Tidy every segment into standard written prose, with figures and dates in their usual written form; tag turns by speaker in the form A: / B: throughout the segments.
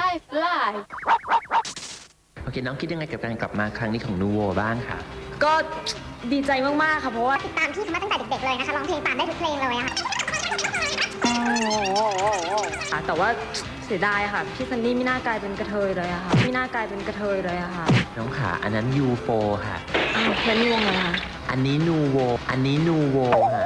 A: fly
B: โอเคน้องคิดยังไงกับการกลับมาครั้งนี้ของนูโวบ้างค่ะ
C: ก็ดีใจมากๆค่ะเพราะว่า
D: ติดตามพี่มาตั้งแต่เด็กๆเลยนะคะร้องเพลงตามได้ทุกเพลงเลยอะ
C: ค่ะแต่ว่าเสียดายค่ะพี่ซันนี่ไม่น่ากลายเป็นกระเทยเลยอะค่ะไม่น่ากลายเป็นกระเทยเลยอะค่ะ
B: น้องขาอันนั้นยูโฟค่ะ
C: อ้าวแล้วนี่วงอะไรคะ
B: อันนี้นูโวอันนี้นูโวค่ะ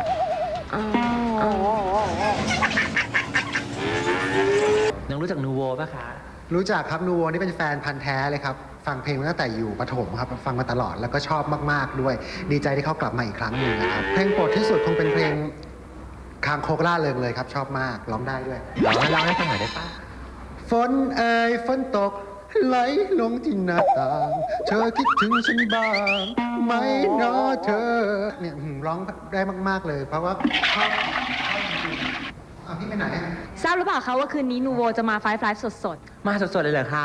B: น้องรู้จักนูโวปะคะ
E: รู้จักครับนูโวนี่เป็นแฟนพันธ์แท้เลยครับฟังเพลงมาตั้งแต่อยู่ประถมครับฟังมาตลอดแล้วก็ชอบมากๆด้วยดีใจที่เขากลับมาอีกครั้งหนึ่งนะครับเพลงโปรดที่สุดคงเป็นเพลงคางโคกล่าเริงเลยครับชอบมากร้องได้ด้วย
B: ร้องให้ฟังหน่อยได้ปะ
E: ฝนเอ่ยฝนตกไหลลงที่หน้าต่างเธอคิดถึงฉันบ้างไหมเนาะเธอเนี่ยร้องได้มากๆเลยเพราะว่าชอบพี่ไปไหน
C: ทราบหรือเปล่าคะว่าคืนนี้นูโวจะมาไฟฟ์ไลฟ์สด
B: ๆมาสดๆเลยเหรอคะ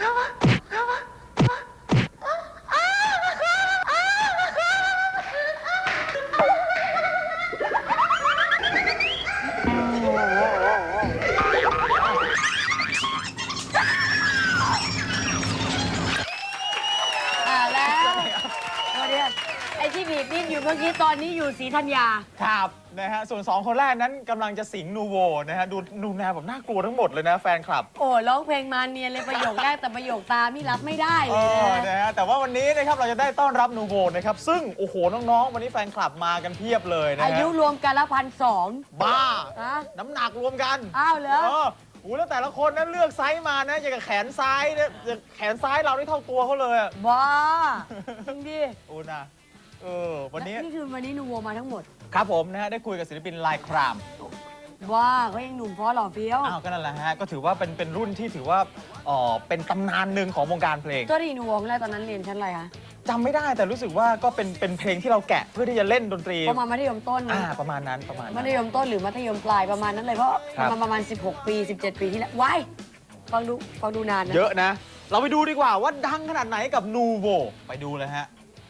A: ไอ้ที่บีบดิ้นอยู่เมื่อกี้ตอนนี้อยู่ศรีธัญญา
F: ครับนะฮะส่วน2คนแรกนั้นกำลังจะสิงนูโวนะฮะดูแนวแบบน่ากลัวทั้งหมดเลยนะแฟนคลับ
A: โอ้ร้องเพลงมาเนียนเลยประโยคแรกแต่ประโยคตามนี่รับไม่ได้เลย
F: นะฮะแต่ว่าวันนี้นะครับเราจะได้ต้อนรับนูโวนะครับซึ่งโอ้โหน้องๆวันนี้แฟนคลับมากันเพียบเลยนะ
A: อายุรวมกันละ1,200
F: บ้าน้ำหนักรวมกัน
A: อ้าวเหรอ
F: โอ้แล้วแต่ละคนนั้นเลือกไซส์มานะอย่างกับแขนซ้ายเนี่ยแขนซ้ายเราได้เท่าตัวเขาเลย
A: บ้าจริงดิ
F: โอ้นะวันนี้
A: นี่คือวันนี้นูโวมาทั้งหมด
F: ครับผมนะฮะได้คุยกับศิลปินลายคราม
A: ว่าเขายังหนุ่มเพราะหล่อเฟี้ยว
F: อ้าวก็นั่นแหละฮะก็ถือว่าเป็นรุ่นที่ถือว่าเป็นตำนานหนึ่งของวงการเพลง
A: ตัวดีนูโวแรกตอนนั้นเรียนชั้นอะไรคะ
F: จำไม่ได้แต่รู้สึกว่าก็เป็นเพลงที่เราแกะเพื่อที่จะเล่นดนตรี
A: ประมาณมัธยมต้น
F: ประมาณนั้น
A: มัธยมต้นหรือมัธยมปลายประมาณนั้นเลยเพราะประมาณ16 ปี17 ปีที่แล้วว้ายฟังดูนานนะ
F: เยอะนะเราไปดูดีกว่าว่าดังขนาดไหนกับนูโวไปดูเลยฮะ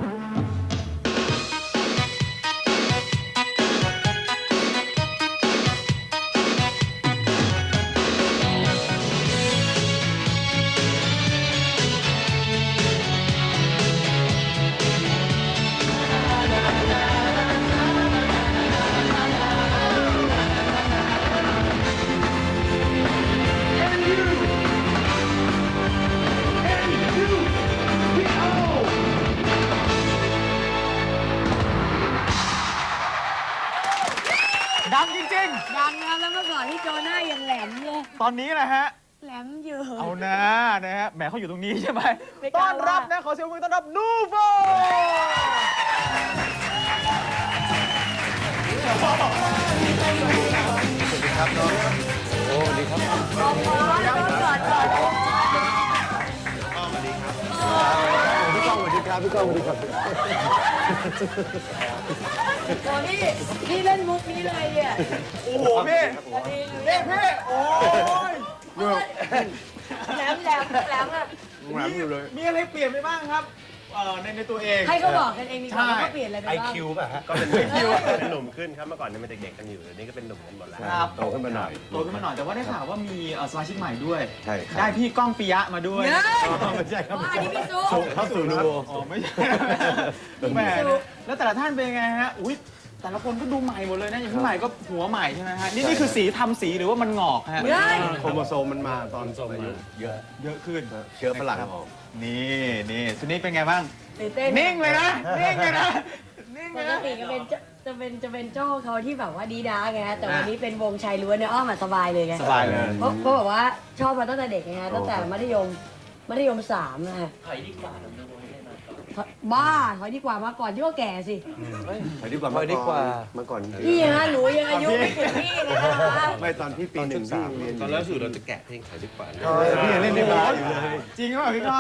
F: ดังจริงๆ
A: ดังนะแล้วเมื่อก่อนที่โจหน้ายังแหลมเลย
F: ตอนนี้นะฮะ
A: แหลมเยอะ
F: เอานะฮะแหมเขาอยู่ตรงนี้ใช่ไหมต้อนรับนะขอเสียงปรบมือต้อนรับนูโวสวัสดีครับน้องโอ้สวัสดีครับ
A: ก่อน
E: พี่ก้องสวัสดีครับพี่ก้องสวัสดีครับ
A: โอ้นี่เล่นมุกนี้เลยเนี่ย
F: โอ้โหพี่นี่พี่โอ้ย
A: แหลมอ่ะ
F: มีอะไรเปลี่ยนไปบ้างครับในตัวเอง
A: ให้เขาบอกกันเองดีกว่าว่าเขาเปลี่ยนอะไรไปบ้าง
G: IQ ป่ะฮะก็เป็น IQ เป็นหนุ่มขึ้นครับเมื่อก่อนเนี่ยเป็นเด็กๆกันอยู่เดี๋ยวนี้ก็เป็นหนุ่มกันหมดแล้วโตขึ้นมาหน่อย
F: แต่ว่าได้ข่าวว่ามีสมาชิกใหม่ด้วย
G: ใช่
F: ได้พี่ก้องปิยะมาด้วย
G: ไม่ใช่ครับ
A: อันนี้พี่ซุ
G: เข้าสู่นูโว
F: ไม่ใช่แหมแล้วแต่ละท่านเป็นไงฮะอุ้ยแต่ละคนก็ดูใหม่หมดเลยนะอย่างพี่ใหม่ก็หัวใหม่ใช่ไหมฮะนี่คือสีทำสีหรือว่ามันงอกฮะ
G: โครโมโซมมันมาตอนอายุเยอะ
F: ขึ้น
G: เชื้อฝรั่ง
F: นี่สุนี้เป็นไงบ้างนิ่งเลยนะ
A: ปกติก็เป็นจะเป็นเจ้าเขาที่แบบว่าดีด้าไงฮะแต่วันนี้เป็นวงชายล้วนเนี่ยอ้อมสบายเลยไง
F: สบายเลย
A: เพราะแบบว่าชอบมาตั้งแต่เด็กไงฮะตั้งแต่มัธยม3นะฮะถอยดีกว่าบ้าถอยดีกว่ามาก่อนที่ว่าแก่สิ
G: ถอยดีกว่ามาก่อน
A: พี่ฮะหนูยังอายุไม่ถึงพี่นะคะ
G: ไม่ตอนพี่ปี1พี่เรียน
B: ตอนแล้วสู่เราจะแกะเพลงถอยดีกว่า
G: พี่ยังเล่นในบ้านอยู่เลย
F: จริงหรือเปล่าพี่ก้อง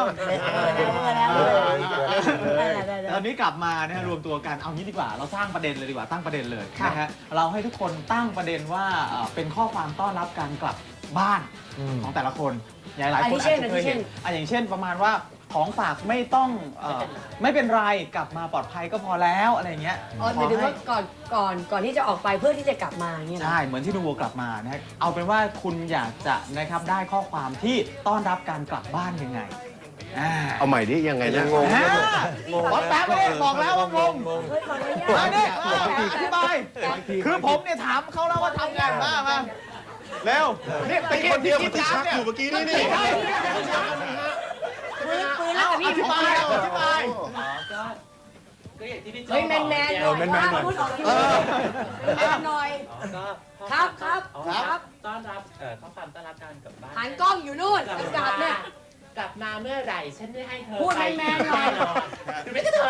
F: ตอนนี้กลับมานะฮะรวมตัวกันเอางี้ดีกว่าเราสร้างประเด็นเลยดีกว่าตั้งประเด็นเลยนะฮะเราให้ทุกคนตั้งประเด็นว่าเป็นข้อความต้อนรับการกลับบ้านของแต่ละคนหลายคนอาจจะเคยเห็นอย่างเช่นประมาณว่าของฝากไม่ต้องไม่เป็นไรกลับมาปลอดภัยก็พอแล้วอะไรเงี้ย
A: อ๋อหมายถึงว่าก่อนที่จะออกไปเพื่อที่จะกลับมาอย่างเงี้ยนะ
F: ใช่เหมือนที่นูโวกลับมานะฮะเอาเป็นว่าคุณอยากจะนะครับได้ข้อความที่ต้อนรับการกลับบ้านยังไง
G: เอาใหม่ดิยังไงนะงง
F: วัดแป๊บไม่ได้บอกแล้วว่างง
A: เฮ้ยขออนุญา
F: มา
A: ต
F: เนี่ยอธิบายคือผมเนี่ยถามเขาแล้วว่าทำไงมาเร็วเนี่ยตะกี้ที่คิดน้ำเนี่ย
G: เมื่อกี้นี่
A: ปืนแล้วกับพี่
F: อธิบาย
A: เฮ้ยแมนหน่อยพูดออกทีวีแมนหน่อยครับ
B: ต้อนรับข้อความต้อนรับการกลับบ้าน
A: หันกล้องอยู่นู่นกลับเนี่ย
B: กลับมาเมื่อไหร่ฉันจะให้เธอ
A: พูดแมนๆหน่อย
B: หรือไม่ก็เธอ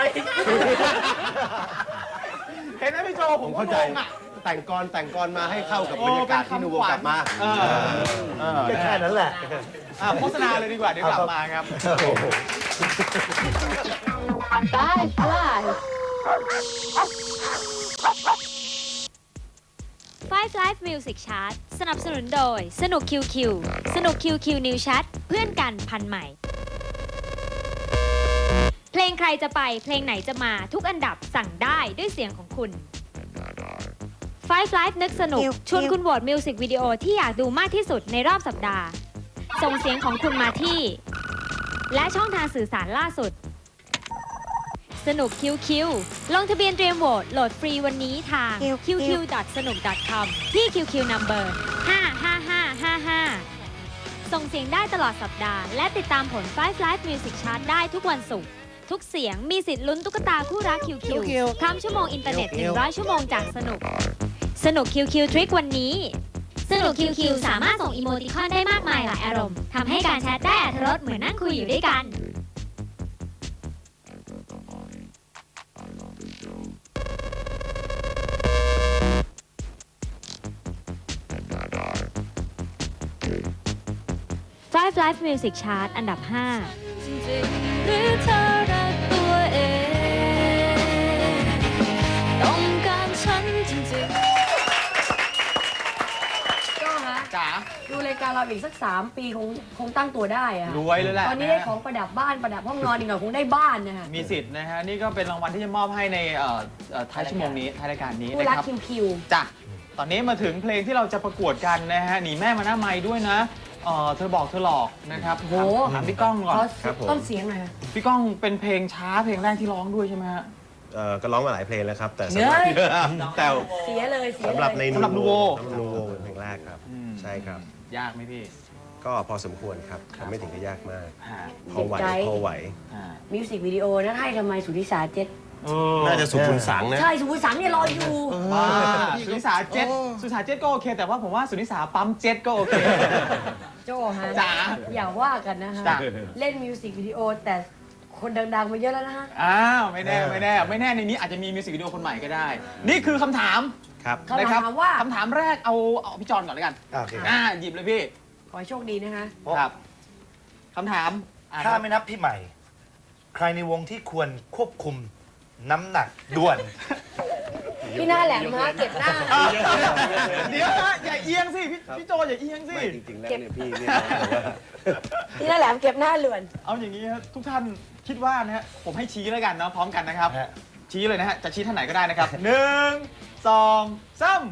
F: เห็นไหมพี่โจ
G: ผมเข้าใจแต่งกรมาให้เข้ากับบรรยากาศที่นูโวกลับมา
H: แค่นั้นแหละ
F: โฆษณาเลยดีกว่าเดี๋ยวกลับมาครับ
I: Five Live Music Chart สนับสนุนโดยสนุก QQ สนุก QQ New Chat เพื่อนกันพันใหม่ เพลงใครจะไปเพลงไหนจะมาทุกอันดับสั่งได้ด้วยเสียงของคุณ Five Live นึกสนุกชวนคุณโหวตมิวสิกวิดีโอที่อยากดูมากที่สุดในรอบสัปดาห์ ส่งเสียงของคุณมาที่ และช่องทางสื่อสารล่าสุดสนุก QQ ลงทะเบียนเตรียมโหวตโหลดฟรีวันนี้ทาง qq.sanuk.com ที่ QQ Number 55555 ส่งเสียงได้ตลอดสัปดาห์และติดตามผล Five Live Music Chart ได้ทุกวันศุกร์ทุกเสียงมีสิทธิ์ลุ้นตุ๊กตาคู่รัก QQ ข้ามชั่วโมงอินเทอร์เน็ต100 ชั่วโมงจากสนุก สนุก QQ Trick วันนี้ สนุก QQ สามารถส่งอีโมติคอนได้มากมายหลายอารมณ์ทำให้การแชทได้อรรถรสเหมือนนั่งคุยอยู่ด้วยกันFive Live Music Chart อันดับ 5 หรือเธอรักตัวเองต้องการฉันจริงๆ
A: ก็ฮะ
F: จ๋า
A: ดูรายการเราอีกสัก3 ปีคงตั้งตัวได้อะ
F: รวยเลยแหละ
A: ตอนนี้ได้ของประดับบ้านประดับห้องนอนอีกหน่อยคงได้บ้านนะฮะ
F: มีสิทธิ์นะฮะนี่ก็เป็นรางวัลที่จะมอบให้ในท้ายชั่วโมงนี้ท้ายรายการนี้
A: คู่
F: นะ
A: รัก
F: ครับ
A: คิว
F: จ้ะตอนนี้มาถึงเพลงที่เราจะประกวดกันนะฮะหนีแม่มาหน้าไม้ด้วยนะเธอบอกเธอหลอกนะครับโหถามพี่ก้องก่อน
A: ขอ
G: ครับผม
A: ต้นเสียงหน่อยฮะ
F: พี่ก้องเป็นเพลงช้าเพลงแรกที่ร้องด้วยใช่ไหมฮะ
G: ก็ร้องมาหลายเพลงแล้วครับ แต่
A: เนื้อ
G: แต่
A: เสียเลย
G: สำหรับใน
F: สำหรับนูโว
G: นูโวเป็นเพลงแรกครับ ใช่ครับ
F: ยากไหมพี่
G: ก็พอสมควรครับแต่ไม่ถึงกับยากมาก
F: ฮะ
G: พอไหวพอไหว
A: มิวสิกวิดีโอนั้นให้ทำไมสุนิสาเจ็ด
G: น่าจะสุขุนสังนะ
A: ใช่สุนิสาเนี่ยรออยู่
F: สุนิสาเจ็ตสุนิสาเจ็ตก็โอเค แต่ว่าผมว่าสุนิสาปั๊มเจ็ตก็โอเค
A: โจ้ฮะ
F: จ๋า
A: อย่าว่ากันนะฮะ
F: จ้ะ
A: เล่นมิวสิกวิดีโอแต่คนดังๆมาเยอะแล้วนะฮะ
F: อ้าวไม่แน่ในนี้อาจจะมีมิวสิกวิดีโอคนใหม่ก็ได้ นี่คือคำถาม
G: ครับ
A: คำถามว่า
F: คำถามแรกเอาพี่จอนก่อนแล้วกัน
H: โอเค
F: หยิบเลยพี่
A: ขอให้โชคดีนะคะ
F: ครับคำถามอ่ะ
H: ถ้าไม่นับพี่ใหม่ ใครในวงที่ควรควบคุมน้ำหนักด่วน
A: พี่หน้าแหลมฮะเก็บหน้า
F: เดี๋ยวนะอย่าเอียงสิพี่โจอย่าเอียงสิ
G: ไม่จริงๆแล้วเนี่ยพี่เนี่ย
A: พี่หน้าแหลมเก็บหน้าเหลือน
F: เอาอย่างนี้ครับทุกท่านคิดว่านะฮะผมให้ชี้แล้วกันเนาะพร้อมกันนะครับ
H: ฮะ
F: ชี้เลยนะฮะจะชี้ท่านไหนก็ได้นะครับ 1 2 3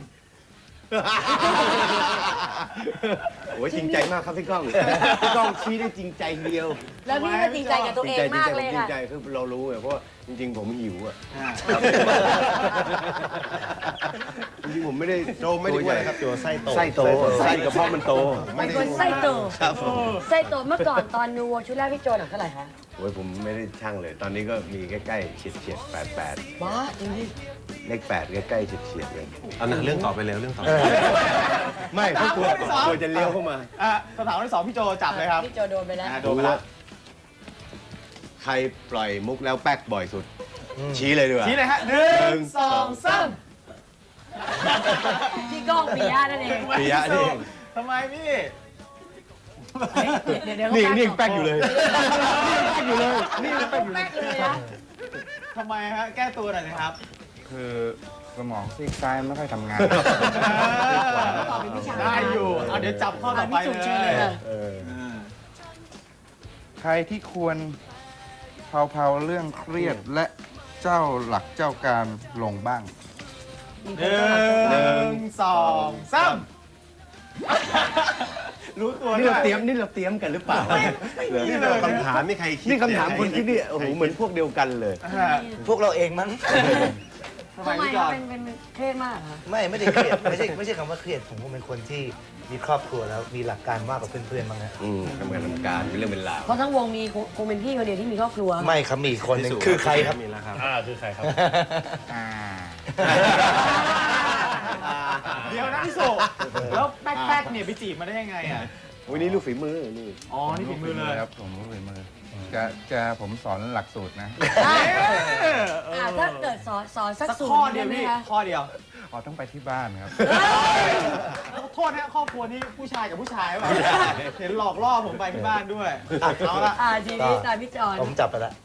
G: โอ้ยจริงใจมากครับพี่ก้อง พี่ก้องชี้ได้จริงใจเดียว
A: แล้วพี่ก็จริงใจกับตัวเองมากเลย
G: จริง
A: ค่ะ
G: ใจคือเรารู้ไงเพราะว่าจริงๆผมหิวอ่ะจริงๆผมไม่ได้โตไม่ได้อ้วนนะครับตัวไส้โตไส้กระเพาะมันโต
A: เป็นคนไส้โต
G: ครับผม
A: ไส้โตเมื่อก่อนตอนนูโวชุดแรกพี่โจหนักเท่าไหร่คะ
G: โอ้ยผมไม่ได้ช่างเลย ตอนนี้ก็มีใกล้ๆเฉียด88
A: บ้าจริงดิ
G: เลข8ใกล้ๆเฉียดเลยเอาหนังเรื่องต่อไปเลยเรื่องต่อไปไม่เพราะกลัวจะเลี้ยวเข้ามา
F: คำถามที่ 2พี่โจจับเลยครับ
A: พี่โจโดนไปแล้ว
F: โดนไปแล้ว
G: ใครปล่อยมุกแล้วแป๊กบ่อยสุด ชี้เลยดีกว่า
F: ชี้เลยฮะ1 2 3
A: พี่ก้องปิยะนั่นเอง
G: ปิยะนี่
F: ทำไมพี่
A: เดี๋ยว
G: นี่ยังแป๊กอยู่เลยนี่ยังแป๊กอยู่เลย
A: แป๊กเลยนะ
F: ทำไมฮะแก้ตัวหน่อยนะครับ
H: คือสมองซีกซ้ายไม่ค่อยทำงาน
A: ตอบเป็นวิชา
F: ได้อยู่เอาเดี๋ยวจับข้อต่อไป
A: พี่จุ๋มเชิญ
F: เล
A: เลย ยค่ะ
G: เออ
H: ใครที่ควร
J: เผาๆเรื่องเครียดและเจ้าหลักเจ้าการลงบ้าง
F: 1 2 3 รู้ตัว
G: นี่
F: ด้ว
G: เรา
F: ย
G: เตรียยมกันหรือเปล่า
F: นี่เลย
G: คำถามนี่ใครคิดนี่คำถามคนคิดนี่โอ้โหเหมือนพวกเดียวกันเลย
H: พวกเราเองมั้ง
F: ทำไม
A: ทำไม
F: พี่จ
A: ค
F: อ
A: รับ
F: น
A: เป็นเครียดมากเหรอ
H: ไม่ได้เครียดไม่ใช่คำว่าเครียดผมเป็นคนที่มีครอบครัวแล้วมีหลักการมากกว่าเพื่อนๆบ้างนะ
G: ทำงานทำการเป็นเรื่องเป็นราว
A: เพราะทั้งวงมีคงเป็นพี่คนเดียวที่มีครอบครัว
H: ไม่ครับมีอีกคนหนึงคือใครครับ
G: มีแล้วครับ
H: คือใครครับ
F: เดี๋ยวนะพี่โศกแล้วแป๊กๆเนี่ยไปจีบมาได้ยังไงอ่ะ
G: วันนี้ลูกฝีมือนี่
F: อ๋อ นี่ฝีมือเลย
J: ครับผมรู้ฝีมือผมสอนหลักสูตรนะ
A: ถ้าเกิดสอนสัก
F: สัก
A: สูตร
F: ข้อ
A: ห
F: เดี
A: นึ่
F: ยว
A: งได้
F: พี่
A: ไหมคะ
F: ข้อเดียว
J: อ๋อต้องไปที่บ้านครับ
F: โทษนะครอบครัวนี่ผู้ชายกับผู้ชายป่ะเห็นหลอกล่อผมไปที่บ้านด้วยเอาละ
A: ทีนี้ตามพี่จอน
H: ผมจับไปละ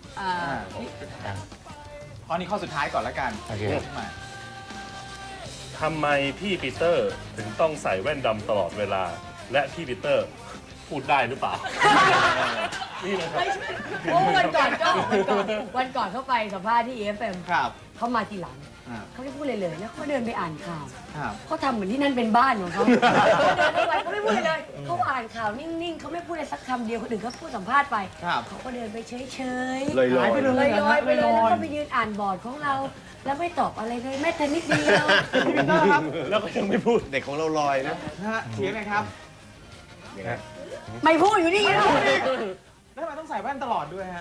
F: ข้อนี้ข้อสุดท้ายก่อนละกัน
H: โอเค
F: มา
K: ทำไมพี่ปีเตอร์ถึงต้องใส่แว่นดำตลอดเวลา และพี่ปีเตอร์พูดได้หรือเปล่า นี่นะครับ
A: ไม่ใช่โอ้วันก่อนเขาไปสัมภาษณ์ที่ EFM
F: ครับ
A: เขามาทีหลัง เขาไม่พูดเลยเลยแล้วเขาเดินไปอ่านข่าว
F: ครับ
A: เขาทำเหมือนที่นั่นเป็นบ้านของเขาเขาเดินเข้าไปเขาไม่พูดเลยเขาอ่านข่าวนิ่งๆเขาไม่พูดอะไรสักคำเดียวคนอื่นเขาพูดสัมภาษณ์ไป
F: ครับ
A: เขาก็เดินไปเฉย
G: ลอยๆ
F: หายไปเลย
A: ลอยๆไปเลยแล้วก็ไปยืนอ่านบอร์ดของเรา แล้วไม่ตอบอะไรเลยแม้แต่นิดเดียว
F: พี่ปีเตอร์ครับ
K: แล้วก็ยังไม่พูด
G: เด็กของเราลอยนะ
F: นะฮะเถียงไงครับ
A: ไม่พูดอยู่นี่แล้ว
F: แล้วทำไมต้องใส่แว่นตลอดด้วยฮะ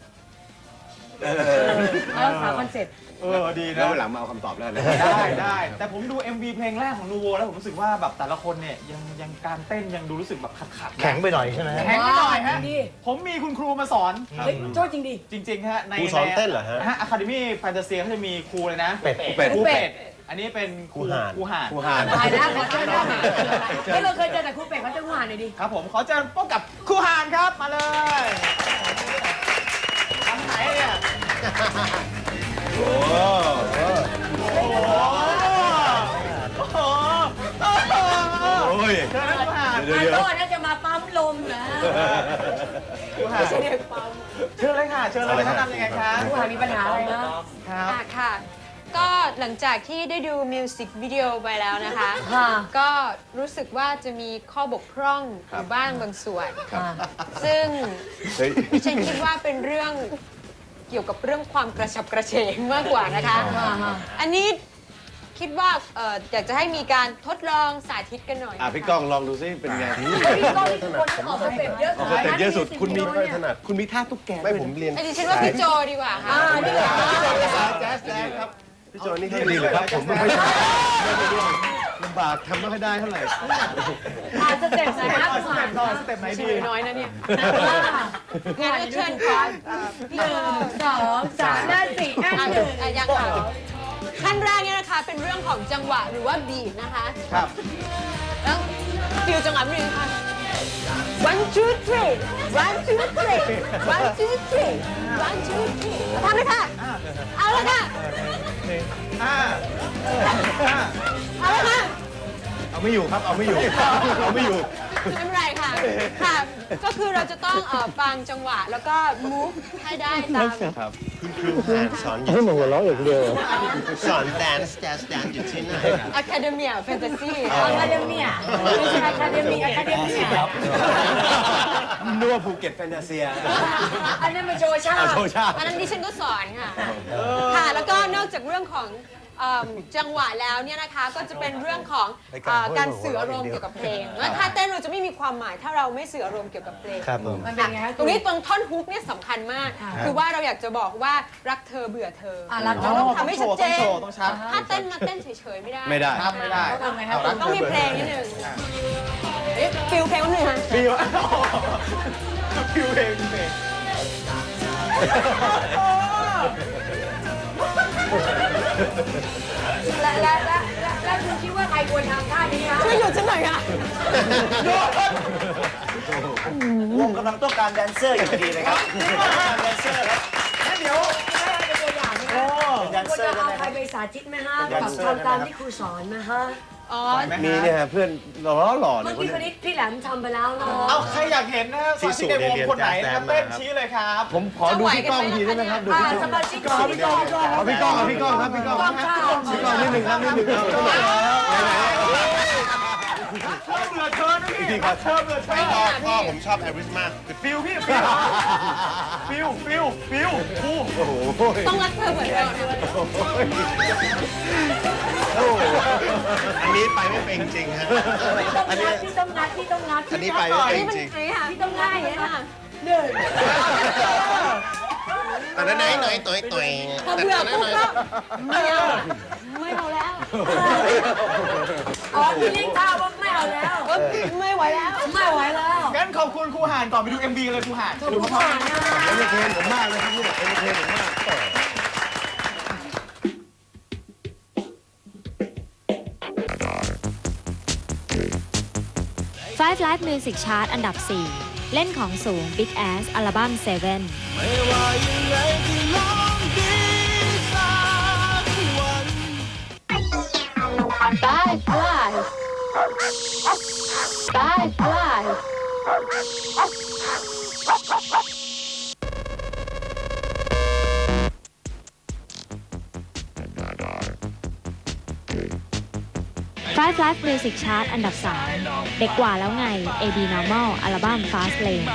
A: แล้วสาวคอนเซ็ปต์
F: ดี
G: แล้
F: นะ
G: ววันหลังมาเอาคำตอบแล้วนะ
F: ได้ แต่ผมดู MV เพลงแรกของนูโวแล้วผมรู้สึกว่าแบบแต่ละคนเนี่ยยังการเต้นยังดูรู้สึกแบบขัดๆ
H: แข็งไปหน่อยใช่ไหมฮะ
F: แข็งไปหน่อยฮะ
A: ดี
F: ผมมีคุณครูมาสอน
A: เฮ้ยโทษจริงดิ
F: จริงๆฮะใน
G: ครูสอนเต้นเหรอฮะ
F: อะคาเดมี่แฟนตาเซียเขาจะมีครูเลยนะ
H: เป็ด
F: ครูเป็ด อันนี้เป็นครูห่าน
G: ครูห่าน
A: ตายแล้วขอเชิญครับไม่เราเคยเจอแต่ครูเป็ดเขาจะหวานหน่อยดิ
F: ครับผมขอเชิญพบกับครูห่านครับมาเลยทำไหนเนี่ยโอ้โหโอ้โหโอ้ยเชิญนะครูห่าน
A: มาโทษนะจะมาปั๊มลมนะ
F: ครูห่านเชิญเลยค่ะเชิญเลยแนะนำยังไงคะ
A: ครูหามีปัญหาอะไรนะ
F: ครับ
C: ค่ะ ก็หลังจากที่ได้ดูมิวสิกวิดีโอไปแล้วนะคะ
A: ค่ะ
C: ก็รู้สึกว่าจะมีข้อบกพร่องอยู่บ้างบางส่วน ซึ่ง
G: เฮ้ย
C: ดิฉันคิดว่าเป็นเรื่องเกี่ยวกับเรื่องความกระฉับกระเฉงมากกว่านะคะ อันนี้คิดว่าอยากจะให้มีการทดลองสาธิตกันหน่อย
G: พี่ก้องลองดูซิเป็นไง
A: พี่ก้องนี่คนออกสเต็ปเยอะ
G: ออกสเต็ปเยอะสุดคุณมีไม่ถนัดคุณมีท่าตุ๊กแกไม่ผมเรียน
C: ดิฉันว่าพี่โจดีกว่าค่ะ
A: นี่แหละ
G: แจ๊สครับพี่โจนี่ดีเลยครับผมไม่ใช่ลำบากทำไม่ค่อยได้เท่าไหร่
A: สเต็ปไหนนะครูหาน
F: สเต็ปไหนดี
C: น้อยนะเนี่ยงั้นก็เชิญค่ะ
A: 1 2 3 4 5
C: ยังค่ะขั้นแรกเนี่ยนะคะเป็นเรื่องของจังหวะหรือว่าบีทนะคะ
F: ครับ
C: แล้วฟิลจังหวะนิดนึงค่ะ one two three one two three one two three one two three ทำเลยค่ะ เอาเลยค่ะ เอาเลยค่ะ
G: เอาไม่อยู่ครับเอาไม่อยู่เอาไม่อยู่
C: ไม่เป็นไรค่ะ ค่ะ ก็คือเราจะต้องฟังจังหวะแล้วก็ move ให้ได้ตาม
G: ครับคุณครูห่านสอนอยู่ให้มันหัวเราะอย่างเดียวสอนแดนซ์อยู่ที่ไหนครับ
C: Academia Fantasy
A: อะคาเดมี่ไม่ใช่อะคาเดมี่อะคาเดมี่
G: นัวภูเก็ตแฟนตาเซีย
A: อันนั้นมันโชว์ชาติ
G: โชว์ชาติ
C: อันนั้นดิฉันก็สอนค่ะ ค่ะ แล้วก็นอกจากเรื่องของจังหวะแล้วเนี่ยนะคะ ก็จะเป็นเรื่องของการสื่ออารมณ์เกี่ยวกับเพลงแล้วถ้าเต้นเราจะไม่มีความหมายถ้าเราไม่สื่ออารมณ์เกี่ยวกับเพลง
H: ครับผม
A: มันเป็นไงฮะ
C: ตรงนี้ตรงท่อนฮุกเนี่ยสำคัญมาก คือว่าเราอยากจะบอกว่ารักเธอเบื่อเธอ
A: รักเธ
C: เรา
A: อ
C: ต้องทำให้ชัดเจน
F: ต้องชัด
C: ถ้าเต้นมาเต้นเฉยๆไม่ได้
G: ไม่ได้
F: ครับไม่ได้
A: ทำไงฮะ
C: ต้องมีเพลงนิดนึงฟิลเพลงนิดนึงค่ะ
F: ฟิวฟิวเพลงเพลง
A: แล้วคุณคิดว่าใครควรทำท่านี้คะ
C: ช่วยหยุดฉันหน่อยค่ะ
H: วงกำลังต้องการแดนเซอร์อยู่พอดีเลยครับแดนเซอร์ครับ
A: งั้นเดี๋ยวให้เป็นตัวอย่างไหมคะควรจะเอาใครไปสาธิตไหมฮะแบบทำตามที่ครูสอนไหมฮะ
C: อ๋อ
G: มีเนี่ยฮะเพื่อนหล่อๆ
A: เมื่
G: เนี่
A: อย กี้คนนี้พี่แหลมทำไปแล้วเนาะ
F: เอาใครอยากเห็นนะฮะสมาชิกในวงคนไหนนะครับเต้นชี้เลยครับ
G: ผมขอดูพี่ก้องทีได้ไหมครับดูพี่ก้อง
A: สมาชิกของพี่กอง
G: เอาพี่ก้องครับพี่ก้องพี่ก้องนิดหนึ่งครับนิดหนึ่งครับ
F: เชิญเหลือเชิญนะพี่เชิญเหลือเชิญ
G: พ่อผมชอบแอริสมาก
F: ฟิวพี่ฟิวครู
G: โอ้โห
C: ต้องรักเธอเหมือนเดิม
G: อันนี้ไปไม่เป็นจริงฮะอันนี้
A: พี่ต้องงัด
G: อันนี้ไปไม่เป็นจริง
A: พี่ต้องง่ายอย่างนี้ค่ะ
G: แต่นั้นไหนหน่อยตัว
C: พอเบื่อปุ๊บก็ไม่เอาแล้ว
A: อ๋อพี่ลิงท่าว่าไม่เอาแล้ว
C: ไม่ไหวแล้ว
A: ไม่ไหวแล้ว
F: งั้นขอบคุณครูหานก่อนไปดู MV เลยครูหาน
A: ขอบคุณมากนะ
G: เอ็นเทนผมมากเลยครับเนี่ยเอ็นเทนผมมาก
I: Five Live Music Chart อันดับ 4 เล่นของสูง Big Ass อัลบั้ม Seven 5 Live Music Chart อันดับ 3 เด็กกว่าแล้วไง AB Normal อัลบั้ม Fast Lane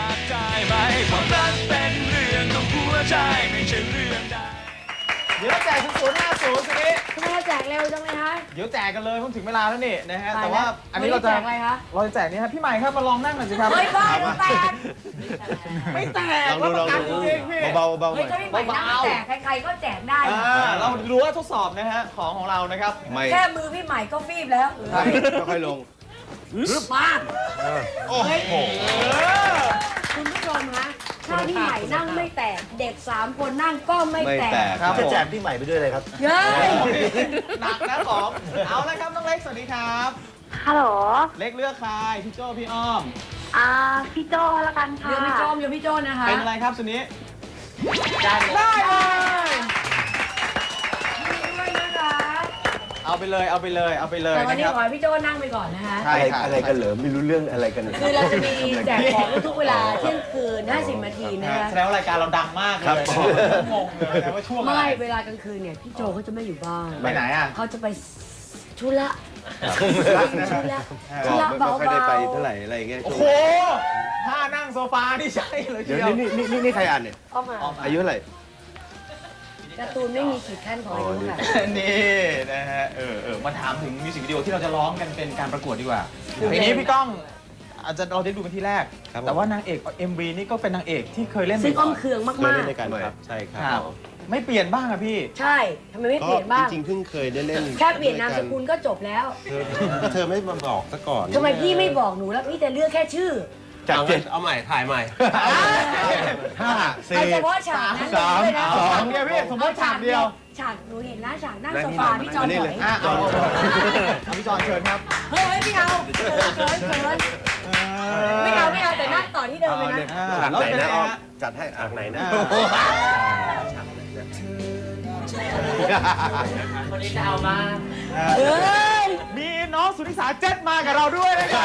F: เดี๋ยวแจก0050สินี้
A: ทำไมเราแจกเร็วจังเลยฮะ
F: เดี๋ยวแจกกันเลยเพิ่งถึงเวลาแล้วนี่นะฮะ
A: ตายแล้ว
F: แต่ว่าอันนี้เราจะ
A: แจกอะไรคะ
F: เราจะแจกนี่ฮะพี่ใหม่ครับมาลองนั่งหน่อยสิครับ
A: เฮ้ยบ้าจะแตก
F: ไม่แตก
G: ลองดู
F: รับประกันจริงๆพี่
G: เบาห
A: เฮ้
G: น่
A: ย
G: อย
A: ถ้าพี่ใหม่นั่งแจกใครๆก็แจกได้
F: เราดูว่าทดสอบนะฮะของเรานะครับ
G: ไม่
A: แค่มือพี่ใหม่ก็ฟีบแล้ว
G: ค่อยลง
A: มา
G: โอ้โห
A: คุณผู้ชมฮะถ้าพี่ใหม่นั่งไม่แตก เด็ก3 คนนั่งก็ไม่
G: ไม่
A: แต
G: แต
A: ก
G: กครับ
H: จะแจกพี่ใหม่ไปด้วยเลยครับ
A: เย้ย
F: หนักนะของเอาละครับน้องเล็กสวัสดีครับ
D: ฮัลโหล
F: เล็กเลือกใครพี่โจ้พี่อ้อม
D: พี่โจละกันค่ะ
A: เดี๋ยวพี่โจมเดี๋ยวพี่โจนนะคะ
F: เป็นอะไรครับสุนี้ได้เลย
A: ด้วยนะคะ
F: เอาไปเลยเอาไปเลยเอาไปเลย
A: แต่วัน
F: นะ
A: นี้
F: ครับ
A: ขอให้พี่โจนั่งไปก่อนนะคะ
F: ใช่ครับ
G: อะไรกันเหรอไม่รู้เรื่องอะไรกัน
A: คือเราจะมีแจกของทุกเวลาเที่ยงคืน50 นาทีนะคะ
F: แสดงว่ารายการเราดังมากเลย
G: ครับ
F: งงเลยนะว่าช่วงอะไร
A: ไม่เวลากลางคืนเนี่ยพี่โจเขาจะไม่อยู่บ้าน
F: ไปไหนอ่ะ
A: เขาจะไปธุระ
G: ก็
A: ธุระ
G: ไม่
A: เบา
G: ค่อยได้ไป
A: ๆ
G: เท่าไหร่อะไรเงี้ย
F: โอ้โหถ้านั่งโซฟานี่ใช่เลยที
G: เดี๋ยว
F: เดียว
G: นี่ใครอ่านเนี่ย
A: เอามา
G: อายุเท่าไหร่
A: การ์ตูนไม่มีขีดขั้นของอายุค่ะ
F: นี่นะฮะมาถามถึงมิวสิกวิดีโอที่เราจะร้องกันเป็นการประกวดดีกว่าเพลงนี้พี่ก้องอาจจะเราได้ดูเป็นที่แรก แต่ว่านางเอก MV นี่ก็เป็นนางเอกที่เคยเล่น
A: ซึ่ง
F: ก่
A: อ้
F: อ
A: อน มเคือง
G: เคย
A: มา
G: เล่
A: ก
G: นด้วยกันครับใช่ค
F: ค
G: รั
F: รับ บไม่เปลี่ยนบ้างอะพี่
A: ๆ ใช่ทำไมไม่เปลี่ยนบ้าง
G: จริงๆเพิ่งเคยได้เล่น
A: แค่เปลี่ยนนามสกุลก็จบแล้ว
G: เธอไม่มาบอกซะก่อน
A: ทำไมพี่ไม่บอกหนูแล้วพี่จะเลือกแค่ชื่อ
G: จากเจ็ดเอาใหม่ถ่ายใหม่ห้า
A: เอา
G: สี่
A: เฉพาะฉากนั้น
G: สาม
A: เลยนะ
G: สอง
F: เดียวพี่สมมติฉากเดียว
A: ฉากหนูเห็นนะฉากนั่งโซฟาพี่จอน
G: นี่
A: ถ
G: เล
A: อย ย
F: เอาพี่จอนเชิญครับ
A: เฮ้ยไม่เอาเขินไม่เอาแต่นั่งต่อที่เดิมเลยนะ
G: ฉากไหนนะอ้อมจัดให้ฉากไหนนะ
A: คนนี้จะเอามา
F: มีน้องสุนิสาเจ็ดมากับเราด้วยนะครับ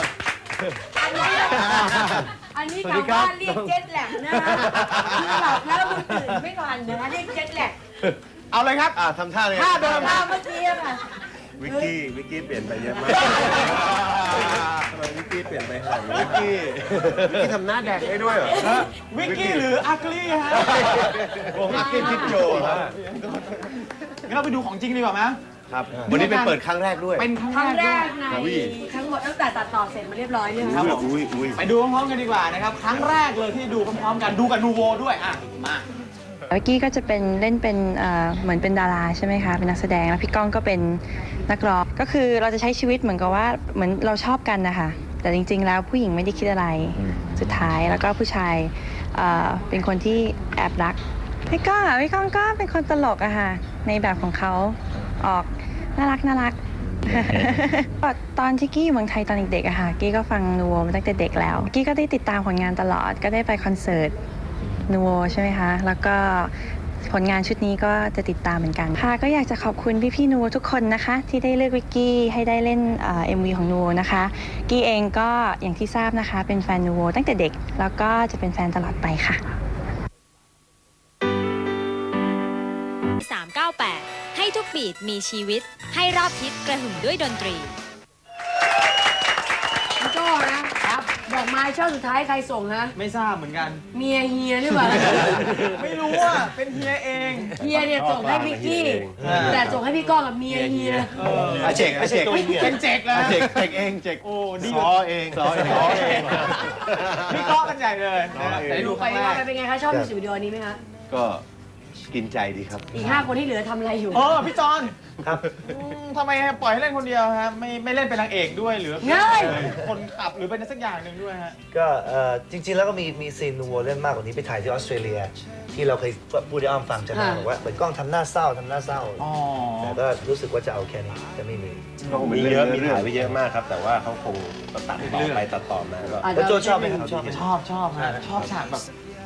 A: อันนี้กลับบ้านเรียกเจ็ตแลกนะคือหลับแล้วมันตื่นไม่ทันนะเรียกเจ็ตแลก
F: เอาเลยครับ
G: ทำท่าเลย
F: ท่าเดิม
A: ท่าเมื่อกี้ค่ะ
G: วิกกี้เปลี่ยนไปเยอะมากทำไมวิกกี้เปลี่ยนไปขนาดนี้วิกกี้ทำหน้าแดกได้ด้วยเหรอ
F: วิกกี้หรืออักลี่ฮะ
G: วงวิกกี้พิกโจครับ
F: งั้นเราไปดูของจริงดีกว่าไหม
G: ครับวันนี้เป็นเปิดครั้งแรกด้วย
F: เป็นค
A: ครั้
F: รั้
A: ง
F: ง
A: แร
F: แร
A: ก
F: ก
A: ใน
G: อุ้ย
A: ทั้งหมดตั้งแต่ตัดต่อเสร็จมาเรียบร้อยเนี่ย
F: ครับผม
G: อุ้ย
F: ไปดูพร้อมๆกันดีกว่านะครับ ครั้งแรกเลยที่ดูพร้อมๆกันดูกับนูโวด้วยอ่ะมา
L: วิกกี้ก็จะเป็นเล่นเป็นเหมือนเป็นดาราใช่ไหมคะเป็นนักแสดงแล้วพี่ก้องก็เป็นนักร้องก็คือเราจะใช้ชีวิตเหมือนกับว่าเหมือนเราชอบกันนะคะแต่จริงๆแล้วผู้หญิงไม่ได้คิดอะไรสุดท้ายแล้วก็ผู้ชายเป็นคนที่แอบรักพี่ก้องก็เป็นคนตลกอะค่ะในแบบของเขาออกน่ารัก ตอนที่กี้อยู่เมืองไทยตอนเด็กๆอะค่ะกี้ก็ฟังนูโวมาตั้งแต่เด็กแล้วกี้ก็ได้ติดตามผลงานตลอดก็ได้ไปคอนเสิร์ตนูโวใช่ไหมคะแล้วก็ผลงานชุดนี้ก็จะติดตามเหมือนกันค่ะก็อยากจะขอบคุณพี่ๆนูโวทุกคนนะคะที่ได้เลือกวิกกี้ให้ได้เล่นMV ของนูโวนะคะกี้เองก็อย่างที่ทราบนะคะเป็นแฟนนูโวตั้งแต่เด็กแล้วก็จะเป็นแฟนตลอดไปค่ะ
I: 398 ให้ทุกบีทมีชีวิตให้รอบทิศกระหึ่มด้วยดนตรี
A: พี่โจ้นะครับดอกไม้ช่อสุดท้ายใครส่งฮะ
F: ไม่ทราบเหมือนกัน
A: เมียเฮียหรือเปล่า
F: ไม่รู้อ่ะเป็นเฮียเอง
A: เฮียเนี่ยส่งให้พี่กี้แต่ส่งให้พี่ก้องกับเมียเฮีย
G: เจ๊กเจ๊ก
F: เป็นเจ๊กแล้ว
G: เจ๊กเองเจ๊ก
F: โอ้ดี
G: ซอเองซอเอง
F: พี่ก้องกันใหญ่เลยนะแต่ได้ดูค
A: ไป
F: รั้งแรก
A: เป็นไงคะชอบมิวสิกวิดีโอนี้ไหมคะ
G: ก็กินใจดีครับ
A: อีก5 คนที่เหลือทำอะไรอยู่
F: พี่จอนครับทำไมปล่อยให้เล่นคนเดียวฮะไม่เล่นเป็นนางเอกด้วยหรือคนขับหรือเป็นสักอย่างหนึ่งด้วยฮะ
H: ก็จริงๆแล้วก็มีซีนนูโวเล่นมากกว่านี้ไปถ่ายที่ออสเตรเลีย ที่เราเคยพูดให้อ้อมฟังใช่ไหมบอกว่าเหมือนกล้องทำหน้าเศร้าแต่ก็รู้สึกว่าจะเอาแค่นี้จะไม่มี
G: มีเยอะมีถ่ายไปเยอะมากครับ แต่ว่าเขาคงตัดต่อไปตัดต่อมาก็
H: แล้วโจชอบไหมครับ
F: ชอบฮะชอบฉากแบบ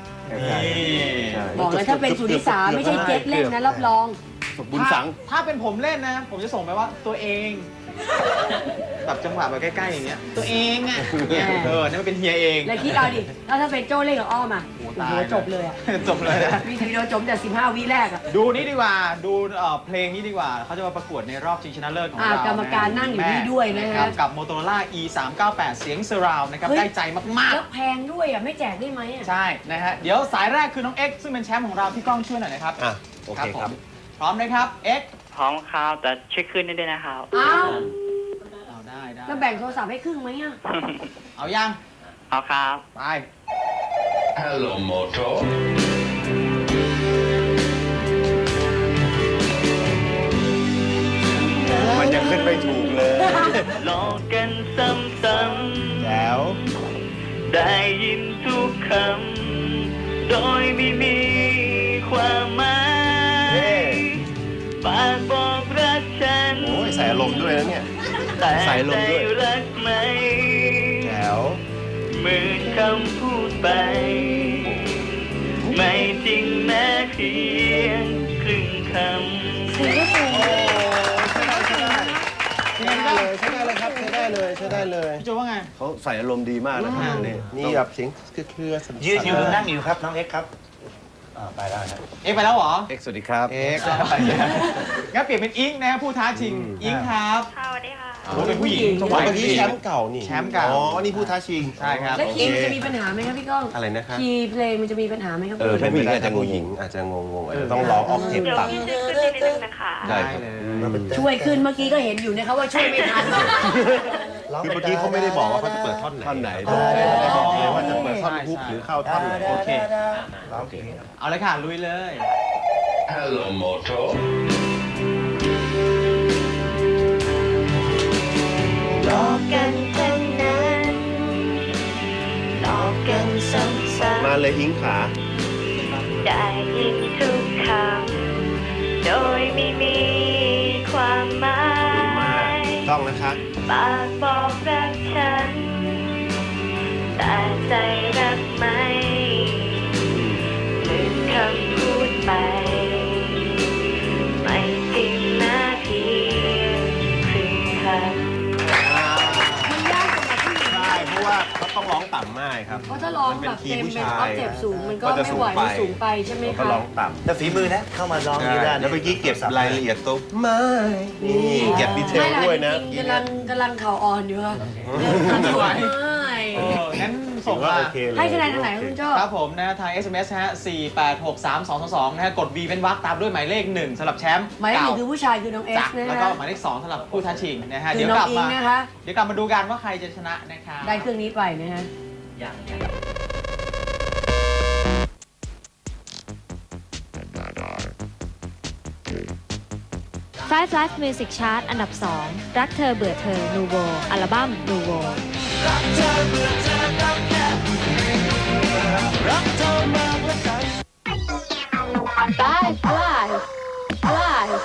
A: บอกเลยถ้าเป็นสุนิสาไม่ใช่เจ็ตเล่นนะรับรอง
G: บุญสัง
F: ถ้าเป็นผมเล่นนะ ผมจะส่งไปว่าตัวเองแบบจังหวะแบบใกล้ๆอย่างเงี้ยตัวเองอ่ะนั่นมันเป็นเฮียเอง
A: แล้วคิดเอาดิถ้าเป็นโจ้เล่นกับอ้อมอ่ะโอ้โหจบเลยอ่ะ
F: จบเลยนะ
A: มีวิดีโอจบแต่15 วิแรกอ่ะ
F: ดูนี่ดีกว่าดูเพลงนี้ดีกว่าเขาจะมาประกวดในรอบชิงชนะเลิศของเรา
A: กรรมการนั่งอยู่นี่ด้วยนะฮะ
F: กับ Motorola E398 เสียงเซอร์ราวนะครับได้ใจมากๆ
A: แล้วแพงด้วยอ่ะไม่แจกได้ไหมอ่ะ
F: ใช่นะฮะเดี๋ยวสายแรกคือน้องเอ็กซ์ซึ่งเป็นแชมป์ของเราพี่ก้องช่วยหน่อยนะครับ
G: โอเคครับ
F: พร้อมนะครับเอ็กซ์
M: พร้อมครับแต่ช่วยขึ้นด้วยนะครับ
A: อ้าว
F: เอาได้
A: แล้วแบ่งโทรศัพท์ให้ครึ่งไหมอ่ะ
F: เอายัง
M: เอาครับ
F: ไป
N: Hello Moto
G: มันยังขึ้นไม่ถูกเลย
M: ลองกันซ้ำ
G: แล้ว
M: ๆได้ยินทุกคำโดยไม่มีความหมายปากบอกรักฉัน
G: โอ้ยใส่อารมณ์ด้วยนะเนี่ย
M: แต่
G: ใส่อารมณ์ด้วย
M: ใจรักไหม
G: แล้ว
M: เหมือนคำพูดไป ไม่จริงแม้เพียงครึ่งคำ
G: ใช้ได้เลยครับใช้ได้เลย
F: พี่โจว่าไง
G: เขาใส่อารมณ์ดีมากนะครับนี่แบบเสียงเครือๆสั่นๆ
H: ยืนอยู่นั่งอยู่ครับน้องเอ็กซ์ครับไปแล้วครับ
F: เอ็กซ์ไปแล้วเหรอ
G: เอ็กซ์สวัสดีครับ
F: เอ็กซ์งั้นเปลี่ยนเป็นอิงนะผู้ท้าชิงอิงครับ
D: สวัสดีค่ะ
F: โอ้เป็นผู้หญิงจังหวะ
G: เมื่อกี้แชมป์เก่านี่
F: แชมป์เก่า
G: อ๋อนี่ผู้ท้าชิง
F: ใช่ครับ
A: แล้วคีย์มันจะมีปัญหาไหมครับพี่ก้อง
G: อะไรนะครับ
A: คีย์เพลงมันจะมีปัญหาไหมครับ
G: ถ้าผู้หญิงอาจจะงงอาจจะงงอาจจะต้องร้องออกเทป
D: เดี๋ยว
G: ต่ำ
D: พี่ช่วยขึ้นนิดนึงนะคะ
G: ได้ครับ
A: ช่วยขึ้นเมื่อกี้ก็เห็นอยู่นะครับว่าช่วยไม่ทัน
G: คือเมื่อกี้เขาไม่ได้บอกว่าเขาจะเปิดท่อนไหนบอกเลยว่าจะเปิดท่อนฮุกหรือเข้าท่อนไหน
F: โอเค
H: ร้องเพลง
F: เอาเลยค่ะลุยเลย
N: Hello Moto
D: หลอกกันทั้งนั้นหลอกกันซ้ำ
G: มาเลยอิงขา
D: ๆได้ยินทุกคำโดยไม่มีความหมาย
G: ต้องนะคะ
D: ปากบอกรักฉัน แต่ใจรักไหมลืมคำพูดไป ไม่จริงนะเพียงครึ่งคำ
A: มันยากสำหรับผู้หญิง
G: ใช่เพราะว่าเขาต้องร้องต่ำมากครับ
A: เพราะถ้าร้องแบบเต็มเป็นออฟเจ็บสูงมันก็ไม่ไหวมันสูงไปใช่ไหม
G: ก็
A: คะ
G: ร้องต่ำ
H: แต่ฝีมือนะเข้ามาร้องนี้ได้
G: แล้วเมื่อกี้เก็บรายละเอียดตรงไม่นี่เก็บดีเทล
A: ไม่
G: ด้วย
A: ล่ะ
G: นะ
A: จริงๆกำลังเข่าอ่อนอยู่ค่ะไม่ไหว
F: งั้นส่งมา
A: ให้คะแนนทางไหนคุณโจ้
F: ครับผมนะทาง SMS ฮะ4863222นะฮะกด V เป็นวรรคตามด้วยหมายเลข1สำหรับแชมป์
A: หมายเลขหนึ่งคือผู้ชายคือน้องเอส
F: จ้ะ
A: นะ
F: แล้ว
A: ฮะ
F: ก็หมายเลข2สำหรับผู้ท้าชิงนะฮะ
A: คือ
F: เดี๋ยว
A: น้
F: ก
A: อ
F: ลั
A: ง
F: บ
A: อิง
F: มา
A: นะคะ
F: เดี๋ยวกลับมาดูกันว่าใครจะชนะนะคะ
A: ได้เครื่องนี้ไปนะฮะ
I: 5 Live Music Chart อันดับ 2 รักเธอเบื่อเธอ นูโว อัลบั้ม นูโว
D: Alive, alive, alive.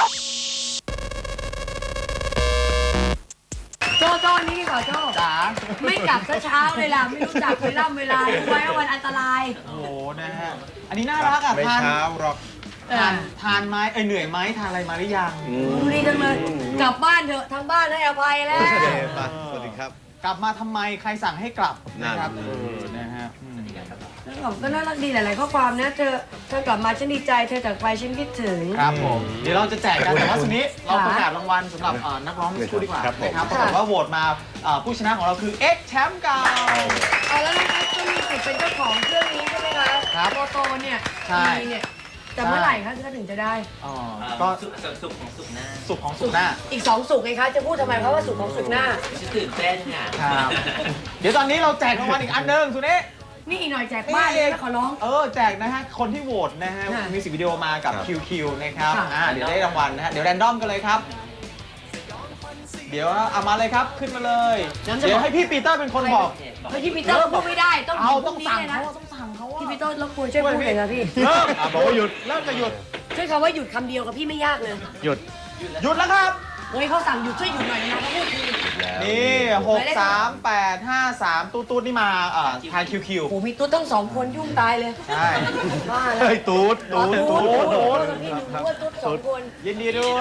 A: โจ้อันนี้ดีกว่าโจ้
F: จ๋า
A: ไม่กลับซะเช้าเลยล่ะ ไม่รู้จักเวลารู้ไว้ว่าวันอันตราย
F: โอ้โหนะฮะอันนี้น่ารักอ่ะ
G: ไม่
F: ทาน
G: เช้าหรอก
F: ทานไหมเหนื่อยไหมทานอะไรมาหรือยัง
A: ดูดีจังเลย กลับบ้านเถอะทางบ้านให้อภัยแล้ว
G: โอเคไปสวัสดีครับ
F: กลับมาทำไมใครสั่งให้กลับนะครับนะฮะ
A: แล้วผมก็น่ารักดีหลายๆข้อความนะเธอกลับมาฉันดีใจเธอจากไปฉันคิดถึง
F: ครับผมเดี๋ยวเราจะแจกกันแต่ว่าสุนี้เราประกาศรางวัลสำหรับนักร้องมิสคูดีกว่านะครับปรากฏว่าโหวตมาผู้ชนะของเราคือ X แชมป์เก่า
A: แล้วน้องเอ็กซ์ก็มีสิทธิ์เป็นเจ้าของเครื่องนี้ใช่ไหมคะ
F: ครับ
A: โมโตเนี่ย
F: ใช่
A: มีเนี่ยแต่เมื่อไหร่คะถึงจะได้
F: ก็
B: สุขของสุขหน้า
F: สุขของสุขหน้า
A: อีก2 สุกไงคะจะพูดทำไมเพราะว่าสุกของสุกหน้า
B: ฉันตื่นเต้นค่ะ
F: ครับเดี๋ยวตอนนี้เราแจกรางวัลอีกอันหนึงสุนี้
A: นี่อีกหน่อยแจกบ้านเลยนะขอร้อง
F: แจกนะฮะคนที่โหวตนะฮะ
A: ค่ะ
F: มิวสิกวิดีโอมากับ QQ นะครับ
A: ค่ะ
F: เดี๋ยวได้รางวัลนะฮะเดี๋ยวแรนดอมกันเลยครับ เดี๋ยวเอามาเลยครับขึ้นมาเลย
A: งั้นจะ
F: เดี๋ย
A: บ
F: ว
A: อก
F: ให้พี่ปีเตอร์เป็นคนบอก
A: เฮ้ยพี่ปีเตอร์พูดไม่ได้ต้อง
F: เอา
A: พ
F: ต้
A: รุ่
F: อง
A: นี้
F: สั่ง
A: เลยนะ
F: เขาต้องสั่งเขา
A: พี่ปีเตอร์รบกวนช่วยพูดหน่อยนะพี่
F: เริ่ม
G: บอกว่าหยุด
F: เริ่มจะหยุด
A: ช่วยคำว่าหยุดคำเดียวกับพี่ไม่ยากเลย
G: หยุด
F: หยุดแล้วครับ
A: เฮ้ยเขาสั่งหยุดช่วยหยุดหน่อยนะเขาพูดที
F: นี่63853ตูดนี่มาทาง QQ
A: โอ้มีตุ๊ดต้อง2 คนยุ่งตายเลย
F: ใช่
A: บ้าแล้ว
G: เฮ้ยตูด
A: ตุ๊
G: ตู
A: ด
G: ด
A: ตุ๊ด
G: ตูด
A: กับพี่หนูรู้ว่าตุ๊ด2 คน
F: ยินดีด้วย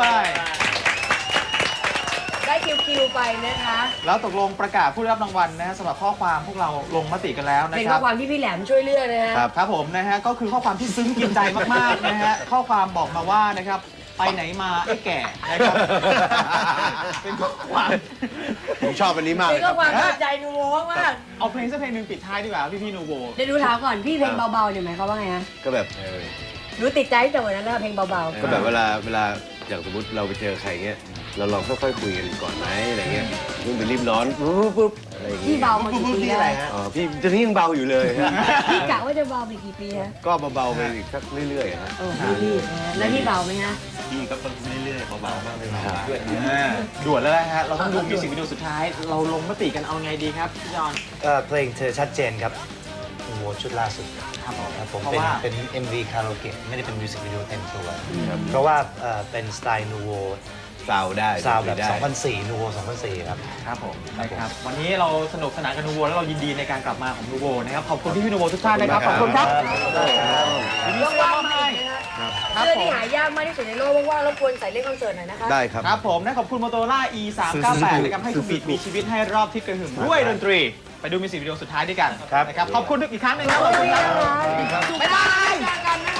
A: ได้คิวไปนะคะ
F: แล้วตกลงประกาศผู้ได้รับรางวัลนะฮะสำหรับข้อความพวกเราลงมติกันแล้วนะ
A: เป็น
F: ค
A: ข้
F: รั
A: อบ ความที่พี่แหลมช่วยเลือกนะฮะ
F: ครับผมนะฮะก็คือข้อความที่ซึ้งกินใจมากๆนะฮะข้อความบอกมาว่านะครับไปไหนมาไอ้แก่นะครับเป็นข้อความ
G: ผมชอบอันนี้มากเล
A: เป็
G: ย
A: น
G: ค
A: ข้
G: รั
A: อบ ความตั้งใจนูโวมาก
F: เอาเพลงสักเพลงหนึ่งปิดท้ายดีกว่าพี่นูโบ
A: เดี๋ยวดูถามก่อนพี่เพลงเบาๆเนี่ยหมายความว่าไงฮะ
G: ก็แบบ
A: รู้ติดใจตั้งแต่วันนั้นแล้วเพลงเบา
G: ก็แบบเวลาอย่างสมมติเราไปเจอใครเงี้ยเราลองค่อยๆคุยกันก่อนไหมอะไรเงี้ยยิ่งไปรีบร้อนปุ๊บอะไรอย่าง
A: ๆพี่
G: เงี้ย
A: เบามากี่ปีแล้ว
G: อ๋อพี่ตอนนี้ยังเบาอยู่เลยฮะ
A: พี่กะว่าจะเบาไปกี่ปีฮะ
G: ก็เบาๆไปอีกสักเรื่อยๆฮะ
A: โอ้พี่แล้วพี่เบาไหมฮะ
G: พี่ก็ต้องเรื่อยๆเบาๆบ้างไม่เบา
F: ด่วนแล้วนะฮะเราต้องดูมิวสิกวิดีโอสุดท้ายเราลงมติกันเอาไงดีครับพี่จอน
H: เพลงเธอชัดเจนครับโอ้โหชุดล่าสุด
F: ครับผม
H: ครับผม
F: เพราะว่า
H: เป็น MV คาราโอเกะไม่ได้เป็นมิวสิกวิดีโอเต็มตัวเพราะว่าเป็นสไตล์นูโว
G: ซาวได้
H: ซาวแบบ
G: ได้
H: 2004นูโว2004ครับ
F: ครับผมนะครับวันนี้เราสนุกสนานกับนูโวแล้วเรายินดีในการกลับมาของนูโวนะครับขอบคุณพี่นูโวทุกท่านนะครับขอบคุณครับยินดี
A: ว่าง
F: มาก
A: ๆมาอีกนะคะเสื้อที่หายากมากที่สุดในโลกว่างๆรบกวนใส่เล่นคอนเสิร์ตหน่อยนะคะ
G: ได้ครับ
F: ครับผมนะขอบคุณ Motorola E398 นะครับให้ทุกบีทมีชีวิตให้รอบทิศกระหึ่มด้วยดนตรี ไปดูมิวสิกวิดีโอสุดท้ายด้วยกันนะครับขอบคุณอีกครั้งหนึงครับขอบคุณครับ
A: บ๊ายบายเจอกันนะ